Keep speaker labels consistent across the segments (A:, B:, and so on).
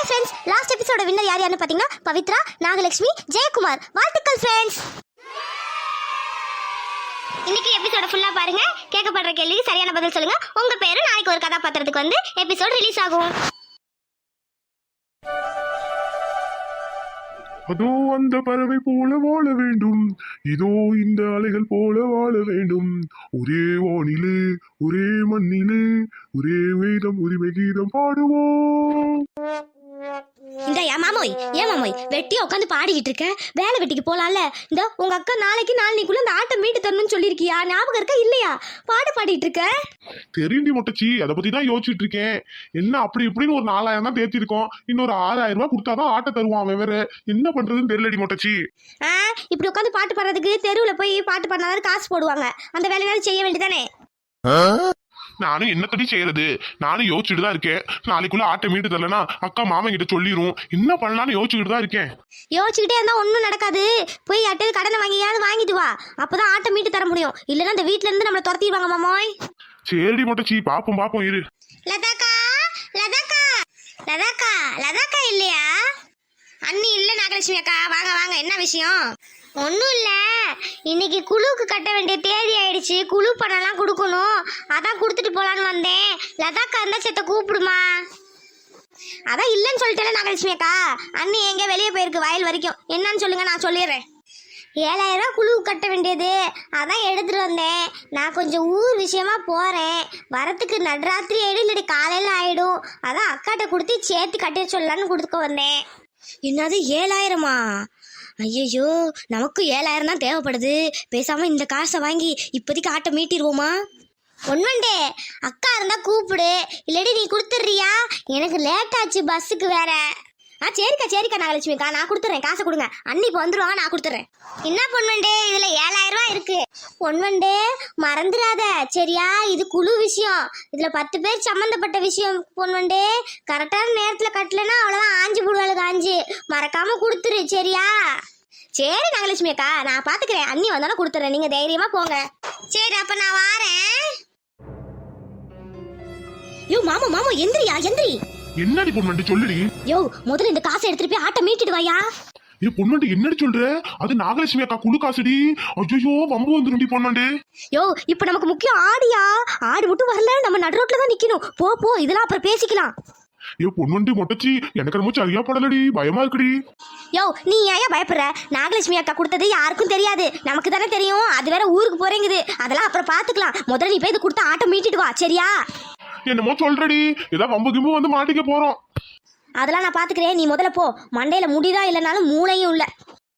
A: Friends, last எபிசோட winner யாருன்னு பாத்தீங்கன்னா பவித்ரா, நாகலட்சுமி, ஜெயக்குமார். வாழ்த்துக்கள் ஃப்ரெண்ட்ஸ். இன்னைக்கு எபிசோட ஃபுல்லா பாருங்க. கேட்கப்படுற கேள்விக்கு சரியான பதில் சொல்லுங்க. உங்க பேரு நாளைக்கு ஒரு கதாபாத்திரத்துக்கு வந்து எபிசோட் ரிலீஸ் ஆகும்.
B: அதோ அந்த பறவை போல வாழ வேண்டும், இதோ இந்த அலைகள் போல வாழ வேண்டும். ஒரே வானிலே ஒரே மண்ணிலே ஒரே வேதம் உரிமை கீதம் பாடுவோம்.
A: இந்த ஏன் மாமோய் வெட்டியா உட்காந்து பாடிக்கிட்டு இருக்க? வேலை வெட்டிக்கு போலாம்ல. இந்த உங்க அக்கா நாளைக்குள்ள அந்த ஆட்டை மீட்டு தரணும்னு சொல்லிருக்கியா? ஞாபகம் இருக்கா இல்லையா? பாடிட்டு இருக்க.
B: தெரியுண்டி மொட்டச்சி, அதை பத்தி தான் யோசிச்சுட்டு இருக்கேன். என்ன அப்படி இப்படின்னு ஒரு 4000 தான் தேத்திருக்கோம். இன்னொரு 6000 ரூபாய் கொடுத்தாதான் ஆட்டை தருவான். அவன் வேற என்ன பண்றதுன்னு தெரியலடி மொட்டச்சி.
A: இப்படி உட்காந்து பாட்டு பாடுறதுக்கு தெருவுல போய் பாட்டு பாடினாலும் காசு போடுவாங்க. அந்த வேலையாவது செய்ய வேண்டியதானே?
B: நானும் என்னத்தடி செய்யறது? நானும் யோசிச்சுட்டு தான் இருக்கேன். நாளைக்குள்ள ஆட்டை மீட்டு தரலனா அக்கா மாமன் கிட்ட சொல்லிரும். என்ன பண்ணலாம்னு யோசிச்சுட்டு தான் இருக்கேன்.
A: யோசிச்சுக்கிட்டே இருந்தா ஒன்னும் நடக்காது. போய் யார்ட்டையாவது கடனை வாங்கிட்டு வா. அப்பதான் ஆட்டை மீட்டு தர முடியும். இல்லன்னா இந்த வீட்டுல இருந்து நம்மள துரத்திடுவாங்க மாமோய்.
B: சரிடி மொட்டச்சி, பாப்போம் இரு.
A: லதாக்கா இல்லையா? அண்ணி இல்ல நாகலட்சுமி அக்கா. வாங்க. என்ன விஷயம்? ஒன்றும் இல்லை, இன்னைக்கு குழுவுக்கு கட்ட வேண்டிய தேதி ஆயிடுச்சு. குழு பணம்லாம் கொடுக்கணும். அதான் கொடுத்துட்டு போலான்னு வந்தேன். லதாக்கா இருந்தா சேத்த கூப்பிடுமா? அதான் இல்லைன்னு சொல்லிட்டேன் நாகலட்சுமி அக்கா. அண்ணி எங்க வெளியே போயிருக்கு வயல் வரைக்கும். என்னன்னு சொல்லுங்க, நான் சொல்லிடுறேன். 7000 ரூபா குழுவுக்கு கட்ட வேண்டியது, அதான் எடுத்துட்டு வந்தேன். நான் கொஞ்சம் ஊர் விஷயமா போறேன். வரத்துக்கு நடுராத்திரி ஆயிடும், இல்லாட்டி காலையில ஆயிடும். அதான் அக்காட்ட கொடுத்து சேர்த்து கட்டிட சொல்லலான்னு கொடுத்துக்க வந்தேன். என்னது 7000மா? ஐயோ, நமக்கு 7000 தான் தேவைப்படுது. பேசாம இந்த காசை வாங்கி இப்போதைக்கு ஆட்டை மீட்டிடுவோமா? ஒன்வண்டே அக்கா இருந்தா கூப்பிடு, இல்லாட்டி நீ கொடுத்துட்றியா? எனக்கு லேட் ஆச்சு பஸ்ஸுக்கு வேற. சரிக்கா நாகலட்சுமிக்கா, நான் கொடுத்துறேன். காசை கொடுங்க. அண்ணி இப்போ வந்துருவாங்க, நான் கொடுத்துறேன். என்ன பொன்வண்டே, இதுல 7000 ரூபா இருக்கு. பொன்வண்டே மறந்துடாத சரியா? இது குழு விஷயம். இதுல 10 பேர் சம்பந்தப்பட்ட விஷயம். பொன்வண்டே கரெக்டான நேரத்துல கட்டலன்னா அவ்வளவுதான், ஆஞ்சு போடுவாளுங்க. ஆஞ்சு மறக்காம கொடுத்துரு சரியா? சரி நாகலட்சுமி அக்கா, நான் பாத்துக்கிறேன். அண்ணி வந்தாலும் கொடுத்துறேன், நீங்க தைரியமா போங்க. சரி அப்ப நான் வாரேன். யோ மாமா எந்திரி.
B: என்னடி பொண்ணு சொல்லுடி.
A: யோ முதல்ல இந்த காசை எடுத்துட்டு போய் ஆட்டை மீட்டிட்டு வாயா.
B: ஏ பொண்ணு என்னடி சொல்ற? அது நாகலட்சுமி அக்கா குழு காசுடி. ஐயோ வம்பு வந்துருண்டி பொண்ணு.
A: யோ இப்ப நமக்கு முக்கியம் ஆடியா. ஆடு மட்டும் வரல, நம்ம நடு ரோட்ல தான் நிக்கணும். போ இதெல்லாம் அப்புறம் பேசிக்கலாம்.
B: ஏ பொண்ணு மொட்டச்சி, எனக்கு ரொம்ப சரியா படலடி, பயமா இருக்குடி.
A: யோ நீ ஏன் பயப்படுற? நாகலட்சுமி அக்கா கொடுத்தது யாருக்கும் தெரியாது, நமக்கு தானே தெரியும். அது வேற ஊருக்கு போறேங்குது, அதெல்லாம் அப்புறம் பாத்துக்கலாம். முதல்ல நீ போய் இது கொடுத்து ஆட்டை மீட்டிட்டு வா சரியா?
B: என்னமோ சொல்றடி, ஏதாவது வம்பு கிம்பு வந்து மாட்டிக்க போறோம்.
A: அதெல்லாம் நான் பாத்துக்கிறேன், நீ முதல்ல போ. மண்டையில முடிதா இல்லைனாலும் மூளையும் இல்ல.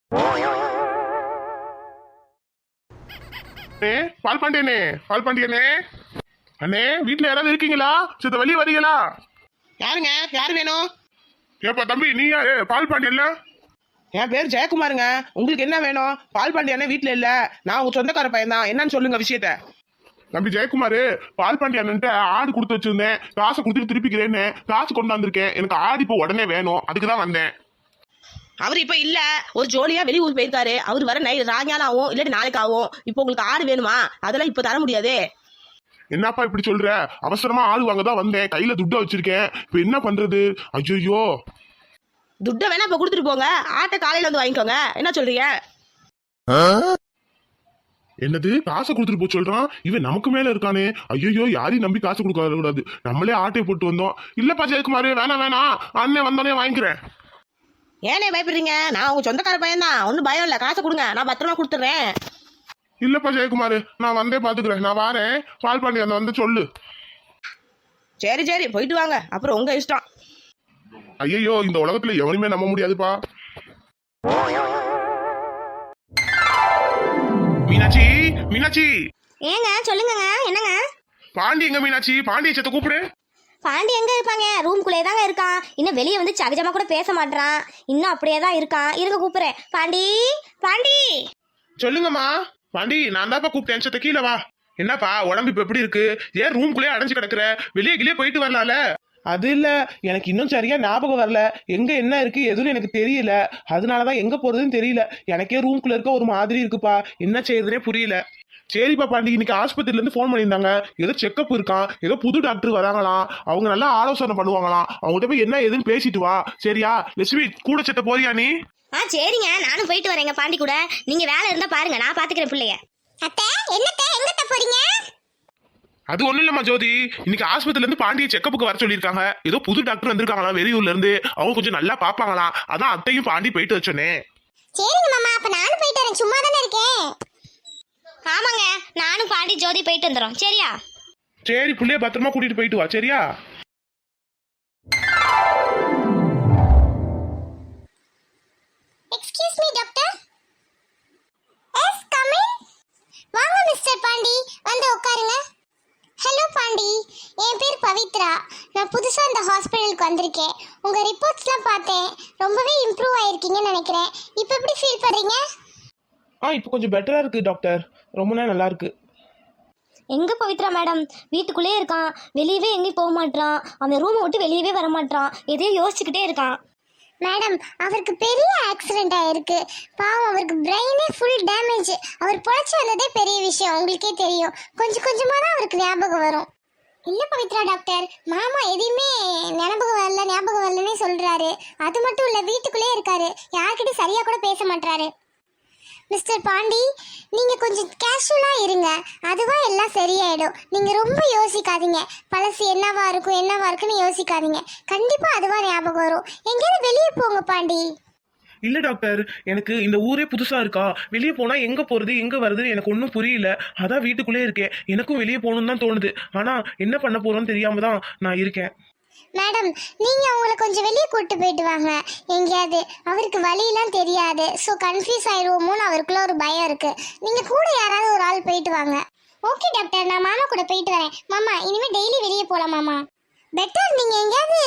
B: பால் பாண்டியனே அண்ணே, வீட்டுல யாராவது இருக்கீங்களா? சித்த வெளியே வரீங்களா?
C: யாருங்க? யாரு வேணும்?
B: ஏப்பா தம்பி, நீ யாரு? பால் பாண்டியன்ல?
C: என் பேர் ஜெயக்குமாருங்க. உங்களுக்கு என்ன வேணும்? பால் பாண்டியனே வீட்டுல இல்ல, நான் உங்க சொந்தக்கார பையன் தான். என்னன்னு சொல்லுங்க விஷயத்த.
B: தம்பி ஜெயக்குமாரு, பால் பாண்டியன்ட்டு ஆடு கொடுத்து வச்சிருந்தேன். காசை கொடுத்துட்டு திருப்பிக்கிறேன்னு காசு கொண்டாந்துருக்கேன். எனக்கு ஆடு இப்போ உடனே வேணும், அதுக்கு தான் வந்தேன்.
C: அவர் இப்ப இல்ல, ஒரு ஜோலியா வெளியூர் போயிருக்காரு. அவர் வர சாயங்காலம் ஆகும், இல்லாட்டி நாளைக்கு ஆகும். இப்போ உங்களுக்கு ஆடு வேணுமா? அதெல்லாம் இப்ப தர முடியாது.
B: என்னப்பா இப்படி சொல்ற? அவசரமா ஆடு வாங்க தான் வந்தேன், கையில துட்டை வச்சிருக்கேன். இப்ப என்ன பண்றது? ஐயோ,
C: துட்டை வேணா இப்ப கொடுத்துட்டு போங்க, ஆட்டை காலையில வந்து வாங்கிக்கோங்க. என்ன சொல்றீங்க?
B: என்னது காசை கொடுத்துட்டு போய் சொல்றான்? இவன் நமக்கு மேல இருக்கானே. ஐயோ, யாரையும் நம்பி காசு கொடுக்க கூடாது. நம்மளே ஆட்டையை போட்டு வந்தோம். இல்லப்பா ஜெயக்குமாரு, வேணாம், அண்ணன் வந்தானே வாங்கிக்கிறேன்.
C: ஏனே பயப்படுறீங்க? நான் உங்க சொந்தக்கார பையன் தான், ஒன்னும் பயம் இல்ல. காசை கொடுங்க, நான் பத்திரமா கொடுத்துறேன்.
B: இல்லப்பா ஜெயக்குமாரு, நான் வந்தே பாத்துக்கிறேன். நான் வாரேன். பால் பாண்டியன் வந்து சொல்லு.
C: சரி போயிட்டு வாங்க, அப்புறம் உங்க இஷ்டம்.
B: ஐயோ, இந்த உலகத்துல எவனுமே நம்ப முடியாதுப்பா. மீனாட்சி
A: ஏங்க சொல்லுங்க. என்னங்க?
B: பாண்டி எங்க? மீனாட்சி, பாண்டிய சத்த கூப்பிடு.
A: பாண்டி எங்க இருப்பாங்க? ரூம்குள்ளே தாங்க இருக்கான். இன்னும் வெளியே வந்து சகஜமா கூட பேச மாட்டான். இன்னும் அப்படியே தான் இருக்கான். இருங்க கூப்பிடுறேன். பாண்டி.
B: சொல்லுங்கம்மா. பாண்டி, நான் தான்ப்பா கூப்பிட்டேன். சத்த கீழே வா. என்னப்பா உடம்பு இப்ப எப்படி இருக்கு? ஏன் ரூம்குள்ளே அடைஞ்சு கிடக்குற? வெளியே போயிட்டு வரலாம்ல?
C: அது இல்ல, எனக்கு இன்னும் சரியா ஞாபகம் வரல. எங்க என்ன இருக்கு எதுவும் எனக்கு தெரியல. அதனாலதான் எங்க போறதுன்னு தெரியல. எனக்கே ரூம்குள்ள இருக்க ஒரு மாதிரி இருக்குப்பா. என்ன செய்யறதுனே புரியல.
B: சரிப்பா பாண்டி, இன்னைக்கு ஆஸ்பத்திரில இருந்து ஃபோன் பண்ணியிருந்தாங்க. ஏதோ செக்கப் இருக்கான், ஏதோ புது டாக்டர் வராங்களாம். அவங்க நல்லா ஆலோசனை பண்ணுவாங்களாம். அவங்ககிட்ட போய் என்ன ஏதுன்னு பேசிட்டு வா. சரியா லட்சுமி, கூட செத்த போறியா நீ?
A: சரிங்க, நானும் போயிட்டு வரேங்க பாண்டி கூட. நீங்க வேலை இருந்தா பாருங்க, நான் பாத்துக்கிறேன் பிள்ளைய. அத்தை என்னத்த எங்கத்த போறீங்க?
B: அது ஒண்ணும் இல்லம்மா ஜோதி, இன்னைக்கு ஆஸ்பத்திரில இருந்து பாண்டிய செக்கப்புக்கு வர சொல்லியிருக்காங்க. ஏதோ புது டாக்டர் வந்திருக்காங்களா வெளியூர்ல இருந்து. அவங்க கொஞ்சம் நல்லா பாப்பாங்களாம். அதான் அத்தையும் பாண்டி போயிட்டு வச்சோன்னே.
A: சரிங்க மாமா, அப்ப நானும் போயிட்டு வரேன். சும்மா தானே இருக்கேன். ஆமாங்க, நானும் பாண்டி ஜோதி போயிட்டு வந்துடும். சரியா?
B: சரி, புள்ளைய பத்திரமா கூட்டிட்டு போயிட்டு வா. சரியா?
A: Excuse me doctor. Yes come in. வாங்க மிஸ்டர் பாண்டி, வந்து உட்காருங்க. ஹலோ பாண்டி, என் பேர் பவித்ரா. நான் புதுசா இந்த ஹாஸ்பிட்டலுக்கு வந்திருக்கேன். உங்க ரிப்போர்ட்ஸ்லாம் பார்த்தேன், ரொம்பவே இம்ப்ரூவ் ஆயிருக்கீங்கன்னு நினைக்கிறேன். இப்போ எப்படி ஃபீல் பண்றீங்க?
B: இப்போ கொஞ்சம் பெட்டரா இருக்கு டாக்டர். ரொம்ப நல்லா இருக்கு.
A: எங்க பவித்ரா மேடம்? வீட்டுக்குள்ளே இருக்கான், வெளியவே எங்கேயும் போக மாட்டான். அந்த ரூமை விட்டு வெளியவே வர மாட்டான். எதையோ யோசிச்சுக்கிட்டே இருக்கான். மேடம், அவருக்கு பெரிய ஆக்சிடென்ட் ஆயிருக்கு. பாவம், அவருக்கு பிரெயினே ஃபுல் டேமேஜ். அவர் பொழைச்சி வந்ததே பெரிய விஷயம், உங்களுக்கே தெரியும். கொஞ்சம் கொஞ்சமாக தான் அவருக்கு ஞாபகம் வரும். இல்லை பவித்ரா டாக்டர், மாமா எதையுமே ஞாபகம் வரலன்னே சொல்கிறாரு. அது மட்டும் இல்லை, வீட்டுக்குள்ளே இருக்காரு, யார்கிட்டையும் சரியாக கூட பேச மாட்டாரு. மிஸ்டர் பாண்டி, நீங்கள் கொஞ்சம் கேஷுவலாக இருங்க, அதுவாக எல்லாம் சரியாயிடும். நீங்கள் ரொம்ப யோசிக்காதீங்க. பழசு என்னவா இருக்குன்னு யோசிக்காதீங்க. கண்டிப்பாக அதுவாக ஞாபகம் வரும். எங்கேயாவது வெளியே போங்க பாண்டி.
B: இல்ல டாக்டர், எனக்கு இந்த ஊரே புதுசா இருக்கா. வெளியே போனா எங்க போறது எங்க வருதுன்னு எனக்கு ஒன்றும் புரியல. அதான் வீட்டுக்குள்ளே இருக்கேன். எனக்கும் வெளியே போகணும்னு தான் தோணுது. ஆனா என்ன பண்ண போறோம்னு தெரியாம தான் நான் இருக்கேன்.
A: மேடம், நீங்க அவங்கள கொஞ்சம் வெளியே கூட்டு போயிட்டு வாங்க எங்கேயாவது. அவருக்கு வழியெல்லாம் தெரியாது, ஸோ கன்ஃபியூஸ் ஆயிடுவோமோன்னு அவருக்குள்ள ஒரு பயம் இருக்கு. நீங்க கூட யாராவது ஒரு ஆள் போயிட்டு வாங்க. ஓகே டாக்டர், நான் மாமா கூட போயிட்டு வரேன். மாமா, இனிமே டெய்லி வெளியே போகலாம் மாமா. பெட்டர், நீங்க எங்கேயாவது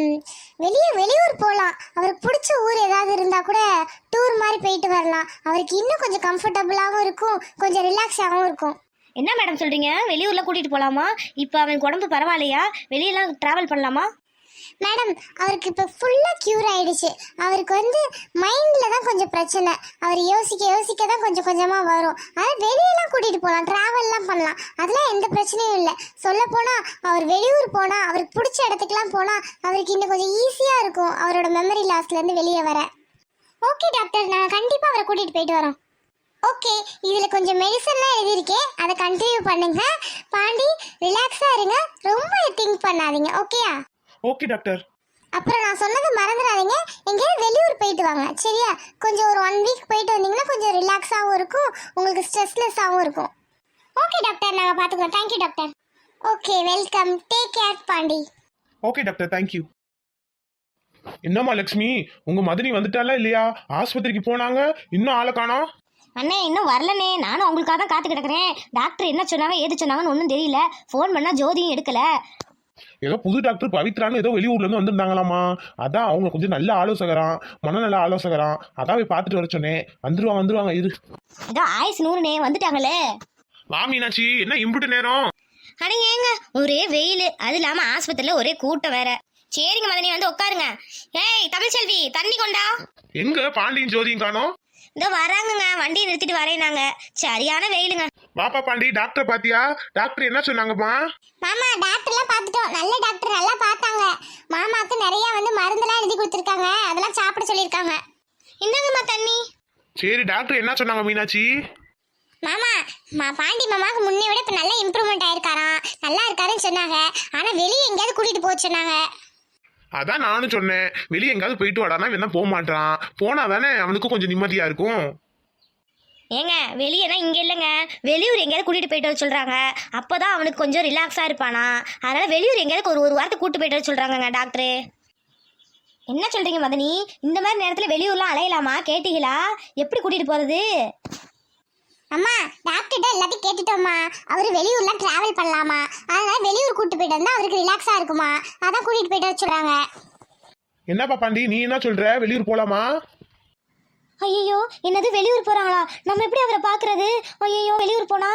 A: வெளியூர் போகலாம். அவருக்கு பிடிச்ச ஊர் ஏதாவது இருந்தா கூட டூர் மாதிரி போயிட்டு வரலாம். அவருக்கு இன்னும் கொஞ்சம் கம்ஃபர்டபுளாகவும் இருக்கும், கொஞ்சம் ரிலாக்ஸாகவும் இருக்கும். என்ன மேடம் சொல்றீங்க? வெளியூர்ல கூட்டிட்டு போலாமா? இப்போ அவனுக்கு உடம்பு பரவாயில்லையா? வெளியெல்லாம் டிராவல் பண்ணலாமா? மேடம், அவருக்கு இப்போ ஃபுல்லாக க்யூர் ஆயிடுச்சு. அவருக்கு மைண்டில் தான் கொஞ்சம் பிரச்சனை. அவர் யோசிக்க தான் கொஞ்சம் கொஞ்சமாக வரும். அதாவது வெளியெல்லாம் கூட்டிகிட்டு போகலாம், ட்ராவல்லாம் பண்ணலாம், அதெல்லாம் எந்த பிரச்சனையும் இல்லை. சொல்லப்போனால் அவர் வெளியூர் போனால், அவருக்கு பிடிச்ச இடத்துக்குலாம் போனால் அவருக்கு இன்னும் கொஞ்சம் ஈஸியாக இருக்கும் அவரோட மெமரி லாஸ்லேருந்து வெளியே வர. ஓகே டாக்டர், நான் கண்டிப்பாக அவரை கூட்டிகிட்டு போயிட்டு வரோம். ஓகே, இதில் கொஞ்சம் மெடிசன்லாம் எழுதியிருக்கேன், அதை கண்டினியூ பண்ணுங்க. பாண்டி, ரிலாக்ஸாக இருங்க, ரொம்ப திங்க் பண்ணாதீங்க. ஓகேயா?
B: Okay doctor.
A: அப்புறம் நான் சொன்னது மறந்துடாதீங்க, எங்கேயாவது வெளியூர் போயிட்டு வாங்க. சரியா? கொஞ்சம் ஒரு 1 வீக் போயிட்டு வந்தீங்கன்னா கொஞ்சம் ரிலாக்ஸாகவும் இருக்கும், உங்களுக்கு ஸ்ட்ரெஸ்லெஸ்ஸாகவும் இருக்கும். ஓகே டாக்டர், நாங்கள் பார்த்துக்குறோம். Thank you doctor. Okay, welcome. Take care Pandi.
B: Okay doctor, thank you. என்னம்மா லட்சுமி, உங்க மதனி வந்துட்டாலா இல்லையா? ஆஸ்பத்திரிக்கு போனாங்க, இன்னும் ஆளை காணோம்.
A: அண்ணே, இன்னும் வரலண்ணே. நானும் அவங்களுக்காக தான் காத்து கிடக்குறேன். டாக்டர் என்ன சொன்னாங்க ஏது சொன்னாங்கன்னு ஒன்றும் தெரியல. ஃபோன் பண்ணால் ஜோதியும் எடுக்கல.
B: ஏதோ புது டாக்டர் பவித்ரான்னு ஏதோ வெளியூர்ல இருந்து வந்திருந்தாங்களாமா. அதான் அவங்க கொஞ்சம் நல்ல ஆலோசகரான், மனநல ஆலோசகரான். அதான் போய் பார்த்துட்டு வர சொன்னேன். வந்துருவாங்க இரு.
A: ஏதோ ஆயுஸ் 100ண்ணே, வந்துட்டாங்களே.
B: வா மீனாட்சி, என்ன இம்புட்டு நேரம்?
A: அட ஏங்க, ஒரே வெயில், அது இல்லாம ஆஸ்பத்திரியில ஒரே கூட்டம் வேற. சரிங்க மதனி, வந்து உட்காருங்க. ஏய் தமிழ்செல்வி, தண்ணி கொண்டா.
B: எங்க பாண்டியும் ஜோதியும் காணோம்?
A: இதோ வராங்கங்க, வண்டியை நிறுத்திட்டு வரேன். நாங்க சரியான வெயிலுங்க.
B: வாப்பா பாண்டி, டாக்டர் பாத்தியா? டாக்டர் என்ன சொன்னாங்கம்மா?
A: மாமா, டாக்டர்லாம் பார்த்துட்டோம். நல்ல டாக்டர், நல்லா பார்த்தாங்க. மாமாக்கு நிறைய மருந்தெல்லாம் எழுதி கொடுத்துருக்காங்க, அதெல்லாம் சாப்பிட சொல்லியிருக்காங்க. இந்தாங்கம்மா தண்ணி.
B: சரி, டாக்டர் என்ன சொன்னாங்க மீனாட்சி?
A: மாமா, பாண்டி மாமாவுக்கு முன்னே விட இப்போ நல்லா இம்ப்ரூவ்மெண்ட் ஆயிருக்காராம், நல்லா இருக்காருன்னு சொன்னாங்க. ஆனால் வெளியே எங்கேயாவது கூட்டிட்டு போக சொன்னாங்க.
B: அதான் நானும் சொன்னேன், வெளியே எங்காவது போயிட்டு வாடானா இவன் போக மாட்டான். போனா தானே அவனுக்கும் கொஞ்சம் நிம்மதியா இருக்கும்.
A: ஏங்க, வெளியேனா இங்கே இல்லைங்க, வெளியூர் எங்கேயாவது கூட்டிகிட்டு போயிட்டு வர சொல்கிறாங்க. அப்போ தான் அவனுக்கு கொஞ்சம் ரிலாக்ஸாக இருப்பானா. அதனால் வெளியூர் எங்கேயாவது ஒரு வாரத்துக்கு கூட்டு போயிட்டு வர சொல்கிறாங்கங்க டாக்டரு. என்ன சொல்கிறீங்க மதனி? இந்த மாதிரி நேரத்தில் வெளியூர்லாம் அலையலாமா? கேட்டீங்களா? எப்படி கூட்டிகிட்டு போகிறது? அம்மா, டாக்டர்கிட்ட எல்லாத்தையும் கேட்டுட்டோம்மா. அவர் வெளியூர்லாம் ட்ராவல் பண்ணலாமா, அதனால் வெளியூர் கூட்டு போயிட்டு வந்தால் அவருக்கு ரிலாக்ஸாக இருக்குமா, அதான் கூட்டிகிட்டு போயிட்டு வர சொல்கிறாங்க.
B: என்னப்பா பாண்டி, நீ என்ன சொல்ற? வெளியூர் போலாமா?
A: ஐயோ, என்னது வெளியூர் போறாங்களா? நம்ம எப்படி அவரை பாக்குறது? ஐயோ, வெளியூர் போனா?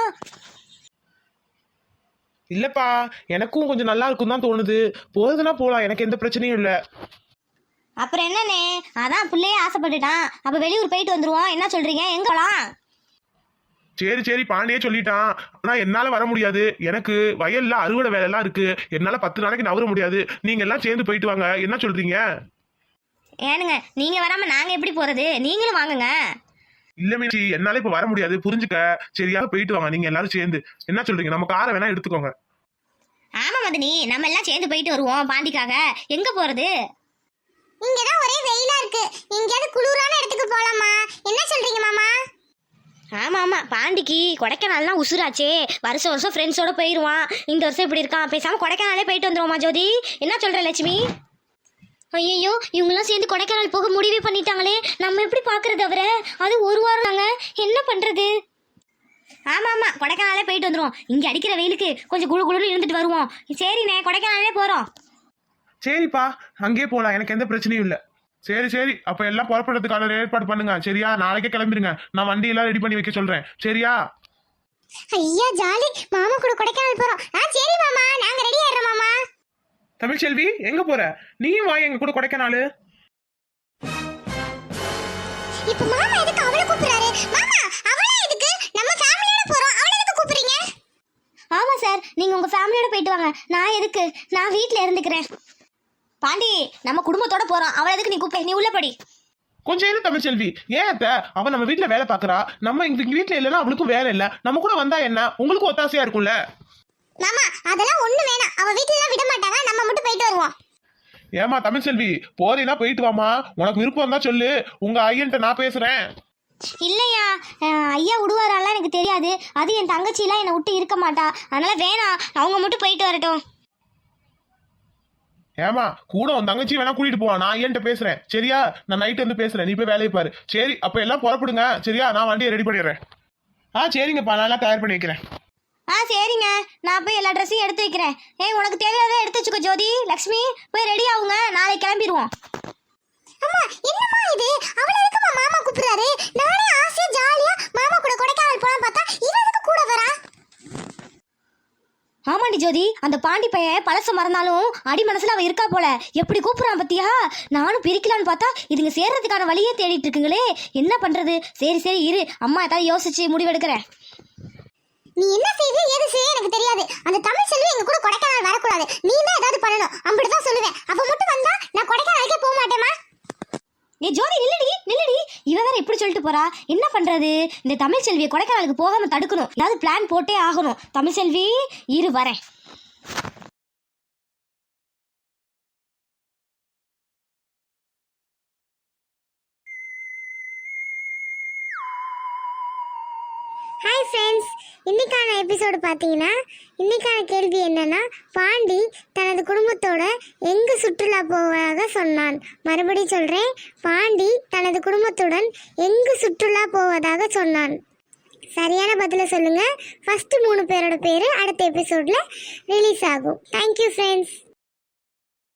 B: இல்லப்பா, எனக்கும் கொஞ்சம் நல்லா இருக்கும் தான் தோணுது. போறதுன்னா போலாம், எனக்கு எந்த பிரச்சனையும் இல்லை.
A: அப்புறம் என்னண்ணே, அதான் பிள்ளையே ஆசைப்பட்டுட்டான். அப்ப வெளியூர் போயிட்டு வந்துருவோம். என்ன சொல்றீங்க? எங்கலாம்?
B: சரி சரி பாண்டியே சொல்லிட்டான். ஆனா என்னால வர முடியாது. எனக்கு வயல்ல அறுவடை வேலை எல்லாம் இருக்கு. என்னால 10 நாளைக்கு நவர முடியாது. நீங்க எல்லாம் சேர்ந்து போயிட்டு வாங்க. என்ன சொல்றீங்க?
A: ஏனுங்க நீங்க வராம நாங்க எப்படி போறது? நீங்களும் வாங்குங்க.
B: இல்ல மீனாட்சி, என்னால இப்ப வர முடியாது, புரிஞ்சுக்க. சரியா போயிட்டு வாங்க நீங்க எல்லாரும் சேர்ந்து. என்ன சொல்றீங்க? நம்ம காரை வேணா எடுத்துக்கோங்க.
A: ஆமா மதனி, நம்ம எல்லாம் சேர்ந்து போயிட்டு வருவோம் பாண்டிக்காக. எங்க போறது? இங்கதான் ஒரே வெயிலா இருக்கு. எங்கயாவது குளிரான இடத்துக்கு போலாமா? என்ன சொல்றீங்க மாமா? ஆமா ஆமா, பாண்டிக்கு கொடைக்கானல்லாம் உசுராச்சே. வருஷம் வருஷம் ஃப்ரெண்ட்ஸோட போயிருவான். இந்த வருஷம் இப்படி இருக்கான். பேசாம கொடைக்கானலே போயிட்டு வந்துருவோமா ஜோதி? என்ன சொல்ற லட்சுமி? ஐயோ, இவங்கெல்லாம் சேர்ந்து கொடைக்கானல் போக முடிவே பண்ணிட்டாங்களே. நம்ம எப்படி பாக்குறது அவரை? அது ஒரு வாரம் நாங்க என்ன பண்றது? ஆமா ஆமா, கொடைக்கானலே போயிட்டு வந்துருவோம். இங்க அடிக்கிற வெயிலுக்கு கொஞ்சம் குளு குளுன்னு இருந்துட்டு வருவோம். சரிண்ணே, கொடைக்கானலே போறோம்.
B: சரிப்பா, அங்கேயே போலாம். எனக்கு எந்த பிரச்சனையும் இல்ல. சரி சரி, அப்ப எல்லாம் புறப்படுறதுக்கான ஏற்பாடு பண்ணுங்க. சரியா? நாளைக்கே கிளம்பிடுங்க. நான் வண்டி எல்லாம் ரெடி பண்ணி வைக்க சொல்றேன். சரியா?
A: ஐயா ஜாலி, மாமா கூட கொடைக்கானல் போறோம். சரி மாமா, நாங்க ரெடி ஆயிடுறோம் மாமா.
B: தமிழ்ச்செல்வி, எங்க போற? நீயும் வா எங்க கூட கொடைக்கானல்.
A: இப்ப மாமா எதுக்கு அவளை கூப்பிடுறாரு? மாமா, அவளை எதுக்கு? நம்ம ஃபேமிலியோட போறோம். அவளை எதுக்கு கூப்பிடுறீங்க? ஆமா சார், நீங்க உங்க ஃபேமிலியோட போயிட்டு வாங்க. நான் எதுக்கு? நான் வீட்ல இருந்துக்கிறேன். பாண்டி, நம்ம குடும்பத்தோட போறோம். அவளை எதுக்கு நீ கூப்பிடு? நீ உள்ள படி.
B: கொஞ்சம் இரு தமிழ்ச்செல்வி. ஏன் அத்த? அவ நம்ம வீட்டுல வேலை பாக்குறா. நம்ம இங்க வீட்டுல இல்லைன்னா அவளுக்கும் வேலை இல்ல. நம்ம கூட வந்தா என்ன? உங்களுக்கும் ஒத்தாசையா இருக்கும்ல.
A: மாமா, அதெல்லாம் ஒண்ணு வேணாம். அவ வீட்ல எல்லாம் விட மாட்டாங்க. நம்ம மட்டும் போயிட்டு வருவோம்.
B: ஏமா தமிழ்ச்செல்வி, போறீனா போயிட்டு வாமா. உனக்கு விருப்பம் தான் சொல்லு. உங்க ஐயன்ட்ட நான் பேசுறேன்.
A: இல்லையா, ஐயா விடுவாராலாம் எனக்கு தெரியாது. அது என் தங்கச்சிலாம் என்னை விட்டு இருக்க மாட்டா. அதனால வேணாம், அவங்க மட்டும் போயிட்டு வரட்டும்.
B: ஏமா, கூட உன் தங்கச்சி வேணா கூட்டிட்டு போவா. நான் ஐயன்ட்ட பேசுறேன். சரியா? நான் நைட்டு வந்து பேசுறேன். நீ போய் வேலையை பாரு. சரி, அப்ப எல்லாம் புறப்படுங்க. சரியா? நான் வண்டியை ரெடி பண்ணிடுறேன். சரிங்கப்பா, நான் எல்லாம் தயார் பண்ணி வைக்கிறேன்.
A: சரிங்க, நான் போய் எல்லா ட்ரெஸ்ஸையும் எடுத்து வைக்கிறேன். உனக்கு தேவையானதை எடுத்து வச்சுக்கோ ஜோதி. லக்ஷ்மி, போய் ரெடி ஆகுங்க. நாளைக்கு கிளம்பிடுவோம். அம்மா, என்னம்மா இது? அவளை எதுக்குமா மாமா கூப்பிடுறாரு? நானே ஆசையா ஜாலியா மாமா கூட கொடைக்கானல் போலாம் பார்த்தா இவ எதுக்கு கூட வரா? ஆமாண்டி ஜோதி, அந்த பாண்டி பையன் பழச மறந்தாலும் அடி மனசுல அவ இருக்கா போல. எப்படி கூப்பிடுறான் பத்தியா? நானும் பிரிக்கலான்னு பார்த்தா இதுங்க சேர்றதுக்கான வழியே தேடிட்டு இருக்குங்களே. என்ன பண்றது? சரி சரி இரு, அம்மா ஏதாவது யோசிச்சு முடிவெடுக்கிறேன். நீ என்ன செய்து ஏது செய்ய எனக்கு தெரியாது. அந்த தமிழ் செல்வி எங்க கூட கொடைக்கானல் வரக்கூடாது. நீ தான் ஏதாவது பண்ணணும். அப்படிதான் சொல்லுவேன். அவ மட்டும் வந்தா நான் கொடைக்கானலுக்கே போக மாட்டேமா. நீ ஜோதி நில்லடி நில்லடி. இவ வேற இப்படி சொல்லிட்டு போறா. என்ன பண்றது? இந்த தமிழ் செல்வியை கொடைக்கானலுக்கு போகாம தடுக்கணும். ஏதாவது பிளான் போட்டே ஆகணும். தமிழ் செல்வி இரு, வரேன். ஹாய் ஃப்ரெண்ட்ஸ், இன்னைக்கான எபிசோடு பார்த்தீங்கன்னா, இன்னைக்கான கேள்வி என்னன்னா, பாண்டி தனது குடும்பத்தோட எங்கு சுற்றுலா போவதாக சொன்னான். மறுபடியும் சொல்கிறேன், பாண்டி தனது குடும்பத்துடன் எங்கு சுற்றுலா போவதாக சொன்னான். சரியான பதிலை சொல்லுங்கள். ஃபஸ்ட்டு 3 பேரோட பேர் அடுத்த எபிசோடில் ரிலீஸ் ஆகும். Thank you friends.